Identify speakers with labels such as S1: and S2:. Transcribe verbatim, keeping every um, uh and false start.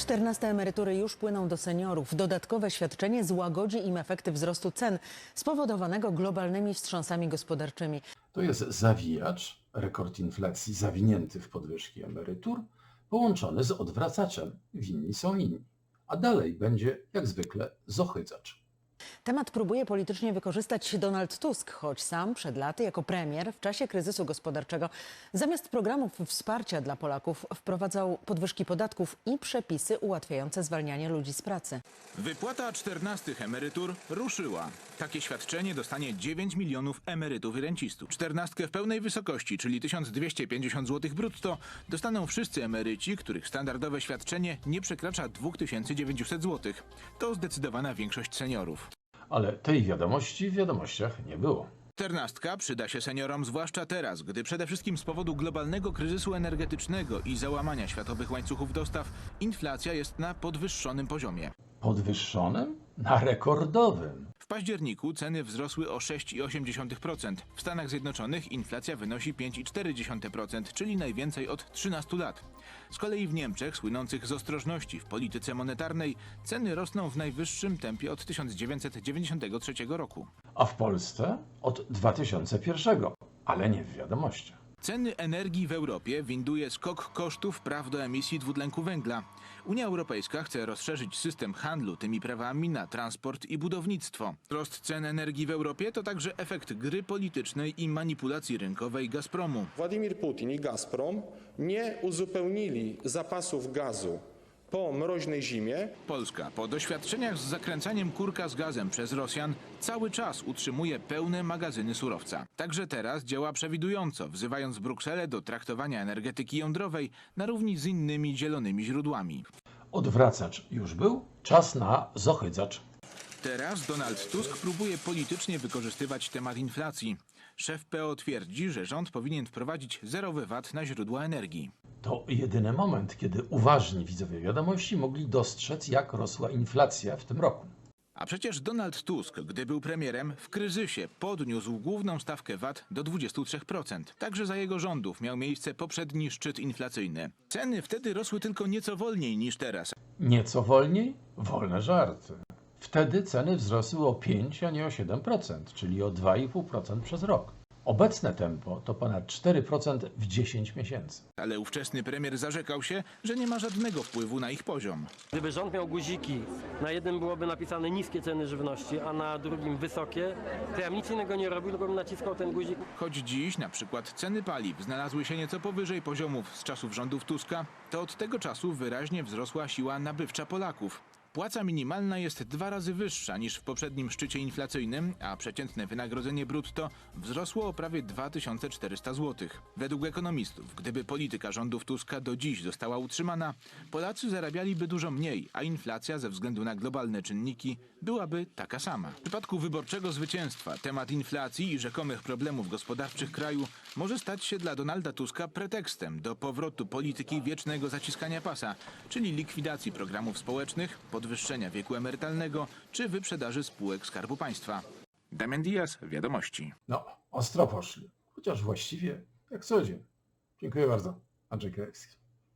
S1: czternaste emerytury już płyną do seniorów. Dodatkowe świadczenie złagodzi im efekty wzrostu cen spowodowanego globalnymi wstrząsami gospodarczymi.
S2: To jest zawijacz, rekord inflacji zawinięty w podwyżki emerytur, połączony z odwracaczem. Winni są inni. A dalej będzie, jak zwykle, zohyzacz.
S1: Temat próbuje politycznie wykorzystać Donald Tusk, choć sam przed laty jako premier w czasie kryzysu gospodarczego zamiast programów wsparcia dla Polaków wprowadzał podwyżki podatków i przepisy ułatwiające zwalnianie ludzi z pracy.
S3: Wypłata czternastych emerytur ruszyła. Takie świadczenie dostanie dziewięć milionów emerytów i rencistów. Czternastkę w pełnej wysokości, czyli tysiąc dwieście pięćdziesiąt złotych brutto, dostaną wszyscy emeryci, których standardowe świadczenie nie przekracza dwa tysiące dziewięćset złotych. To zdecydowana większość seniorów.
S2: Ale tej wiadomości w wiadomościach nie było.
S3: Czternastka przyda się seniorom zwłaszcza teraz, gdy przede wszystkim z powodu globalnego kryzysu energetycznego i załamania światowych łańcuchów dostaw inflacja jest na podwyższonym poziomie.
S2: Podwyższonym? Na rekordowym.
S3: W październiku ceny wzrosły o sześć przecinek osiem procent. W Stanach Zjednoczonych inflacja wynosi pięć przecinek cztery procent, czyli najwięcej od trzynastu lat. Z kolei w Niemczech, słynących z ostrożności w polityce monetarnej, ceny rosną w najwyższym tempie od tysiąc dziewięćset dziewięćdziesiątego trzeciego roku.
S2: A w Polsce od dwa tysiące pierwszego, ale nie w wiadomościach.
S3: Ceny energii w Europie winduje skok kosztów praw do emisji dwutlenku węgla. Unia Europejska chce rozszerzyć system handlu tymi prawami na transport i budownictwo. Wzrost cen energii w Europie to także efekt gry politycznej i manipulacji rynkowej Gazpromu.
S4: Władimir Putin i Gazprom nie uzupełnili zapasów gazu po mroźnej zimie.
S3: Polska po doświadczeniach z zakręcaniem kurka z gazem przez Rosjan cały czas utrzymuje pełne magazyny surowca. Także teraz działa przewidująco, wzywając Brukselę do traktowania energetyki jądrowej na równi z innymi zielonymi źródłami.
S2: Odwracacz już był, czas na zohyzacz.
S3: Teraz Donald Tusk próbuje politycznie wykorzystywać temat inflacji. Szef P O twierdzi, że rząd powinien wprowadzić zerowy V A T na źródła energii.
S2: To jedyny moment, kiedy uważni widzowie wiadomości mogli dostrzec, jak rosła inflacja w tym roku.
S3: A przecież Donald Tusk, gdy był premierem, w kryzysie podniósł główną stawkę V A T do dwudziestu trzech procent. Także za jego rządów miał miejsce poprzedni szczyt inflacyjny. Ceny wtedy rosły tylko nieco wolniej niż teraz.
S2: Nieco wolniej? Wolne żarty. Wtedy ceny wzrosły o pięć, a nie o siedem procent, czyli o dwa i pół procent przez rok. Obecne tempo to ponad cztery procent w dziesięć miesięcy.
S3: Ale ówczesny premier zarzekał się, że nie ma żadnego wpływu na ich poziom.
S5: Gdyby rząd miał guziki, na jednym byłoby napisane niskie ceny żywności, a na drugim wysokie, to ja bym nic innego nie robił, tylko bym naciskał ten guzik.
S3: Choć dziś na przykład ceny paliw znalazły się nieco powyżej poziomów z czasów rządów Tuska, to od tego czasu wyraźnie wzrosła siła nabywcza Polaków. Płaca minimalna jest dwa razy wyższa niż w poprzednim szczycie inflacyjnym, a przeciętne wynagrodzenie brutto wzrosło o prawie dwa tysiące czterysta złotych. Według ekonomistów, gdyby polityka rządów Tuska do dziś została utrzymana, Polacy zarabialiby dużo mniej, a inflacja ze względu na globalne czynniki byłaby taka sama. W przypadku wyborczego zwycięstwa temat inflacji i rzekomych problemów gospodarczych kraju może stać się dla Donalda Tuska pretekstem do powrotu polityki wiecznego zaciskania pasa, czyli likwidacji programów społecznych, podwyższenia wieku emerytalnego czy wyprzedaży spółek Skarbu Państwa. Damian Diaz, Wiadomości.
S2: No, ostro poszli, chociaż właściwie jak co dzień. Dziękuję bardzo. Andrzej Krajewski.